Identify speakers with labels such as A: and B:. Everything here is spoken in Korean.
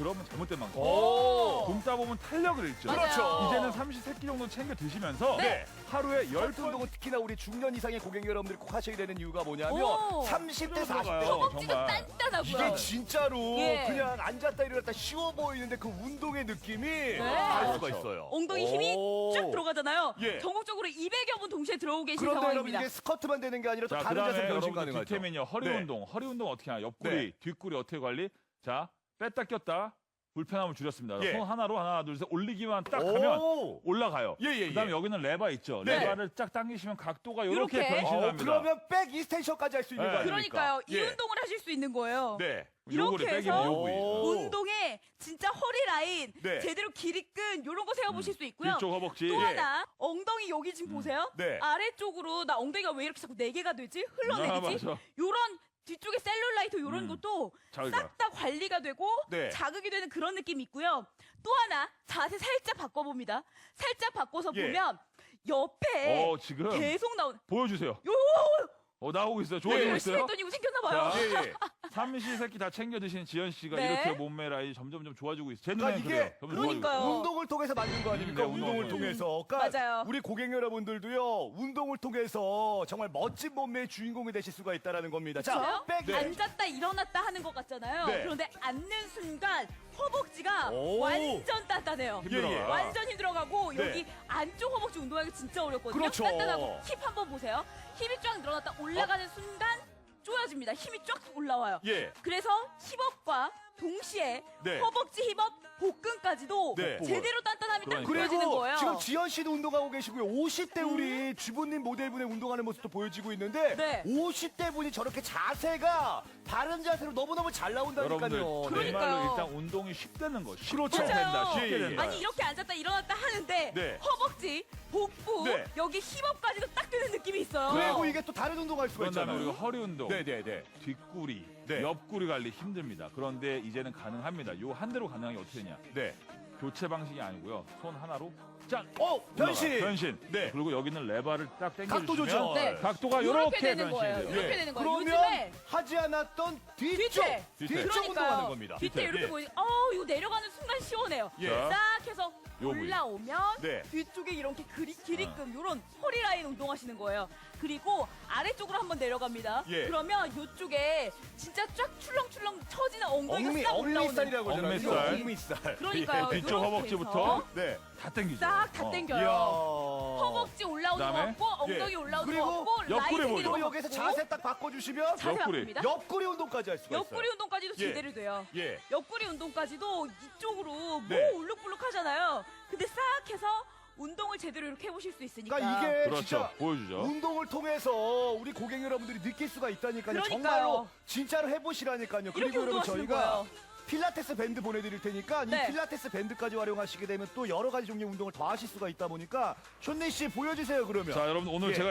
A: 그러면 잘못된 방법.
B: 오.
A: 굶다 보면 탄력을 잃죠.
C: 맞아요.
B: 그렇죠.
A: 이제는 삼시세끼 정도 챙겨 드시면서
B: 네.
A: 하루에
B: 열두
A: 10번
B: 운동은 특히나 우리 중년 이상의 고객 여러분들이 꼭 하셔야 되는 이유가 뭐냐면
C: 오.
B: 30대,
A: 들어가요.
B: 40대
C: 허벅지가
A: 정말.
C: 단단하고요.
B: 이게 진짜로
C: 예.
B: 그냥 앉았다 일어났다 쉬워 보이는데 그 운동의 느낌이 알 수가
A: 그렇죠.
B: 있어요.
C: 엉덩이 힘이
B: 오.
C: 쫙 들어가잖아요.
B: 예.
C: 전국적으로 200여 분 동시에 들어오고 계신
B: 그런데 여러분
C: 상황입니다.
B: 이게 스쿼트만 되는 게 아니라 또
A: 자,
B: 다른
A: 그다음에
B: 자세 변신
A: 여러분들
B: 가능하죠.
A: 뒷태면요. 허리
B: 네.
A: 운동. 허리 운동 어떻게 하냐? 옆구리,
B: 네.
A: 뒷구리 어떻게 관리? 자, 뺐다 꼈다. 불편함을 줄였습니다.
B: 예.
A: 손 하나로 하나, 둘, 셋 올리기만 딱
B: 오.
A: 하면 올라가요.
B: 예, 예,
A: 그다음에
B: 예.
A: 여기는 레바 있죠.
B: 네.
A: 레바를 쫙 당기시면 각도가 이렇게
C: 이렇게?
A: 변신합니다.
B: 그러면 백 이스텐션까지 할 수 있는
A: 네.
B: 거 아닙니까?
C: 그러니까요. 이
B: 예.
C: 운동을 하실 수 있는 거예요.
B: 네.
A: 요거를
C: 이렇게
A: 빼기면
C: 해서
A: 요 부위.
B: 오.
C: 운동에 진짜 허리 라인
B: 네.
C: 제대로 길이 끈 이런 거 세워보실 수 있고요.
A: 뒤쪽 허벅지.
C: 또
A: 예.
C: 하나 엉덩이 여기 지금 보세요.
B: 네.
C: 아래쪽으로 나 엉덩이가 왜 이렇게 자꾸 4개가 되지?
A: 아,
C: 흘러내리지?
A: 맞아.
C: 요런 뒤쪽에 셀룰라이트 요런 것도
A: 자극이다.
C: 싹 다 관리가 되고
B: 네.
C: 자극이 되는 그런 느낌이 있고요. 또 하나 자세 살짝 바꿔봅니다. 살짝 바꿔서
B: 예.
C: 보면 옆에
A: 지금
C: 계속 나오는
A: 보여주세요.
C: 요
A: 나오고 있어요. 좋아지고
C: 열심히
A: 있어요.
C: 했더니 이거 생겼나봐요.
A: 자,
B: 예, 예.
A: 삼시세끼 다 챙겨 드시는 지연 씨가
C: 네.
A: 이렇게 몸매 라인이 점점 좋아지고 있어요. 제
B: 그러니까
A: 눈에는
B: 이게
A: 그래요. 점점 좋아지고
C: 그러니까요.
A: 있어요.
B: 운동을 통해서 만든 거 아닙니까?
A: 네,
B: 운동을
A: 운동을
B: 통해서. 그러니까
C: 맞아요.
B: 우리 고객 여러분들도요. 운동을 통해서 정말 멋진 몸매의 주인공이 되실 수가 있다는 겁니다. 자,
C: 그렇죠?
B: 백.
C: 앉았다 일어났다 하는 것 같잖아요.
B: 네.
C: 그런데 앉는 순간 허벅지가
B: 오.
C: 완전 단단해요.
A: 힘들어요.
B: 예, 예.
C: 완전 힘들어가고
B: 네.
C: 여기 안쪽 허벅지 운동하기 진짜 어렵거든요.
B: 그렇죠.
C: 단단하고 힙 한번 보세요. 힙이 쫙 늘어났다 올라가는 순간 쪼여집니다. 힘이 쫙 올라와요.
B: 예.
C: 그래서 힙업과 동시에
B: 네.
C: 허벅지 힙업 복근까지도
B: 네.
C: 제대로 단단함이 딱
A: 그러니까.
C: 보여지는
B: 그리고
C: 거예요.
B: 지금 지연 씨도 운동하고 계시고요. 50대 우리 주부님 모델분의 운동하는 모습도 보여지고 있는데
C: 네.
B: 50대 분이 저렇게 자세가 바른 자세로 너무너무 잘 나온다니까요.
A: 여러분들
C: 그러니까요.
A: 정말로 일단 운동이 쉽다는 거. 쉽게
B: 그렇죠.
A: 된다.
C: 맞아요.
A: 쉽게
B: 예, 예.
A: 된다.
C: 아니 이렇게 앉았다 일어났다 하는데
B: 네.
C: 허벅지, 복부,
B: 네.
C: 여기 힙업까지도 딱 되는 느낌이 있어요.
B: 그리고 이게 또 다른 운동할 수가
A: 그런 다음에
B: 있잖아요.
A: 우리가 허리 운동,
B: 네네네.
A: 뒷구리,
B: 네.
A: 옆구리 관리 힘듭니다. 그런데 이제는 가능합니다. 요 한 대로 가능한 게 어떻게 되냐?
B: 네.
A: 교체 방식이 아니고요. 손 하나로 쫙
B: 변신.
A: 올라가요. 변신.
B: 네.
A: 그리고 여기는 레바를 딱 당겨주시면
B: 각도 조절.
C: 네.
A: 각도가
C: 이렇게
A: 이렇게
C: 되는
A: 변신이
C: 거예요.
A: 돼요.
C: 이렇게 되는 거예요.
B: 그러면
C: 요즘에
B: 하지 않았던 뒤쪽,
C: 뒤태.
B: 뒤쪽 운동하는 겁니다.
C: 뒤태 이렇게
B: 예.
C: 보이. 이거 내려가는 순간 시원해요.
B: 예.
C: 싹 해서
A: 요 부위.
C: 올라오면
B: 네.
C: 뒤쪽에 이렇게 길이끔 요런 허리 라인 운동하시는 거예요. 그리고 아래쪽으로 한번 내려갑니다.
B: 예.
C: 그러면 요쪽에 진짜 쫙 출렁출렁 처지는 엉덩이가 싹 올라오는.
B: 엉미살이라고 하잖아요.
A: 엉미살.
B: 엉미살.
C: 그러니까요.
A: 예, 뒤쪽
C: 요렇게
A: 허벅지부터
C: 해서
B: 네.
A: 다 당기죠.
C: 싹 다
A: 어.
C: 당겨요.
B: 이야.
C: 허벅지 올라오는 거
A: 그다음에?
C: 없고 엉덩이
B: 예.
C: 올라오는
B: 그리고
C: 거 없고 라인
A: 옆구리
C: 생기는
B: 그리고
C: 거
B: 여기서
C: 없고.
B: 자세 딱 바꿔주시면
C: 자세
A: 옆구리.
C: 바꿉니다.
B: 옆구리 운동까지 할 수가
C: 옆구리
B: 있어요.
C: 운동까지도
B: 예.
C: 제대로 돼요.
B: 예.
C: 옆구리 운동까지도 이쪽으로
B: 네.
C: 뭐 울룩불룩 하잖아요. 근데 싹 해서 운동을 제대로 이렇게 해보실 수 있으니까.
B: 그러니까 이게
A: 그렇죠.
B: 진짜
A: 보여주죠.
B: 운동을 통해서 우리 고객 여러분들이 느낄 수가 있다니까요.
C: 그러니까요.
B: 정말로 진짜로 해보시라니까요.
C: 이렇게
B: 그리고 여러분
C: 운동하시는
B: 저희가
C: 거예요.
B: 필라테스 밴드 보내드릴 테니까
C: 네.
B: 이 필라테스 밴드까지 활용하시게 되면 또 여러 가지 종류의 운동을 더 하실 수가 있다 보니까 쇼니 씨 보여주세요 그러면.
A: 자, 여러분 오늘
B: 예.
A: 제가